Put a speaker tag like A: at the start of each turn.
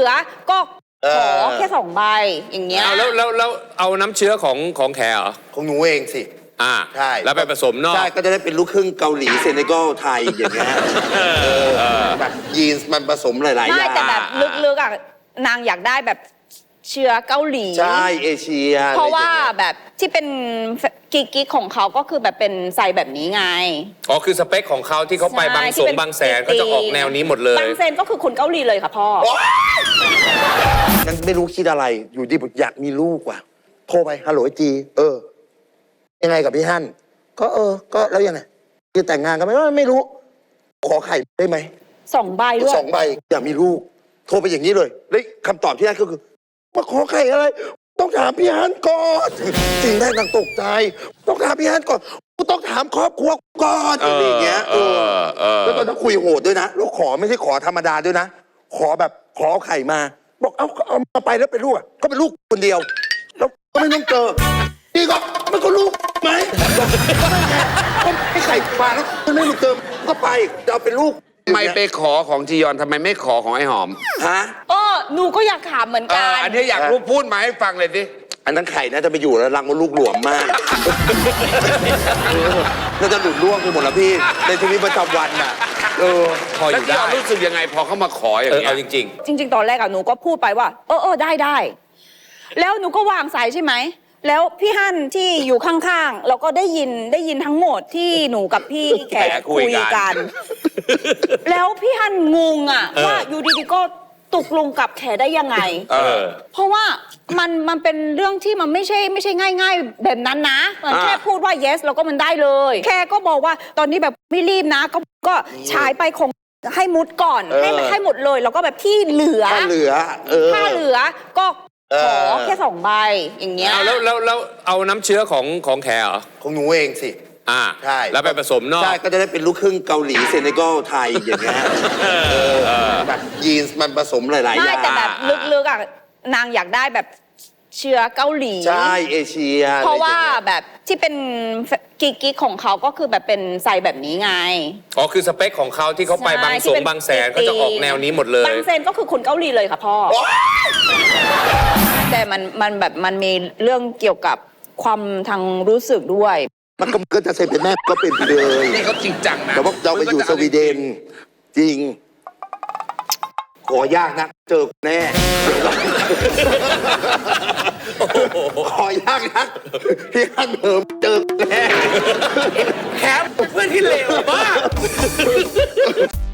A: ลือก็ขอแค่2 ใบอย่างเงี้ย
B: แล้วเอาน้ำเชื้อของแขเหรอ
C: ของหนูเองสิใช่
B: แล้วไปผสมนอก
C: ใช่ก็จะได้เป็นลูกครึ่งเกาหลีเซเนกัลไทยอย่างเงี้ยแบบยีนส์มันผสมหลายๆอย่าง
A: ไม่แต่แบบลึกๆอ่ะนางอยากได้แบบเชื้อเกาหลี
C: ใช่เอเชีย
A: เพราะว่าแบบที่เป็นกิ๊กของเขาก็คือแบบเป็นไซแบบนี้ไง
B: อ๋อคือสเปคของเขาที่เขาไปบางแสนเขาจะออกแนวนี้หมดเลย
A: บางแสนก็คือคนเกาหลีเลยค่ะพ่อ
C: ยังไม่รู้คิดอะไรอยู่ดีอยากมีลูกว่ะโทรไปฮัลโหลจียังไงกับพี่ฮั่นก็ก็แล้วยังไงจะแต่งงานกันไหมไม่รู้ขอไข่ได้ไหม
A: 2 ใบด้วย
C: 2 ใบอยากมีลูกโทรไปอย่างนี้เลยแล้วคำตอบที่ได้ก็คือมาขอไข่อะไรต้องถามพี่ฮั่นก่อนจริงแรกนางตกใจต้องถามพี่ฮั่นก่อนต้องถามครอบครัวก่อนอะไรอย่างเงี้ยแล้วตอนนั้นคุยโหดด้วยนะแล้วขอไม่ใช่ขอธรรมดาด้วยนะขอแบบขอไข่มาบอกเอามาไปแล้วเป็นลูกก็เป็นลูกคนเดียวแล้วก็ไม่ต้องเจอนี่ก็มันก็ลูกไหมก็ให้ไข่มาแล้วมันไม่มาเจอก็ไปจะเอาเป็นลูก
D: ทำไมไปขอของจียอนทำไมไม่ขอของไอ้หอม
C: ฮะ
A: หนูก็อยากถามเหมือนกัน
D: อันนี้อยากรู้พูดมาให้ฟังเลยสิ
C: อันนั้นไข่น่าจะไปอยู่แล้วรังมันลูกหลวมมากน่าจะหลุดร่วงไปหมดแล้วพี่ในชีวิตประจำวันน่ะ
D: พออยู่ได้แล้วรู้สึกยังไงพอเขามาขออย่างนี้
B: จริ
A: งตอนแรกหนูก็พูดไปว่าได้แล้วหนูก็วางสายใช่ไหมแล้วพี่ฮั่นที่อยู่ข้างๆเราก็ได้ยินทั้งหมดที่หนูกับพี่แขกคุยกันแล้วพี่ฮั่นงงว่าอยู่ดีๆก็ตกลงกับแขได้ยังไงเพราะว่ามันเป็นเรื่องที่มันไม่ใช่ง่ายๆแบบนั้นนะมันแค่พูดว่า yes แล้วก็มันได้เลยแค่ก็บอกว่าตอนนี้แบบไม่รีบนะก็ฉายไปคงให้มุดก่อนให้หมดเลยแล้วก็แบบที่เหลือ
C: ถ้าเหลือ
A: ก็ขอแค่2 ใบอย่างเงี้ย
B: แล้วเอาน้ำเชื้อของแขเหรอ
C: ของหนูเองสิ
B: ใช่แล้วไปผสมนอก
C: ใช่ก็จะได้เป็นลูกครึ่งเกาหลีเซเนกัลไทยอย่างเงี้ยแบบยีนส์มันผสมหลายๆอย่าง
A: ไม่แต่แบบลึกๆอ่ะนางอยากได้แบบเชื้อเกาหลี
C: ใช่เอเชีย
A: เพราะว่าแบบที่เป็นกิ๊กของเขาก็คือแบบเป็นไซแบบนี้ไง
B: อ๋อคือสเปคของเขาที่เขาไปบางแสนเขาจะออกแนวนี้หมดเลย
A: บางแสนก็คือคนเกาหลีเลยค่ะพ่อแต่มันมีเรื่องเกี่ยวกับความทางรู้สึกด้วย
C: มันก็จะเซ็นเป็นแม่ก็เป็นเลย
D: นี่เขาจริงจังนะ
C: แต่ว่าเราไปอยู่สวีเดนจริงขอยากนะเจอแน่ขอยากนะพี่ฮั่นเหิมเจอแน่
D: แคปเพื่อนที่เลวมาก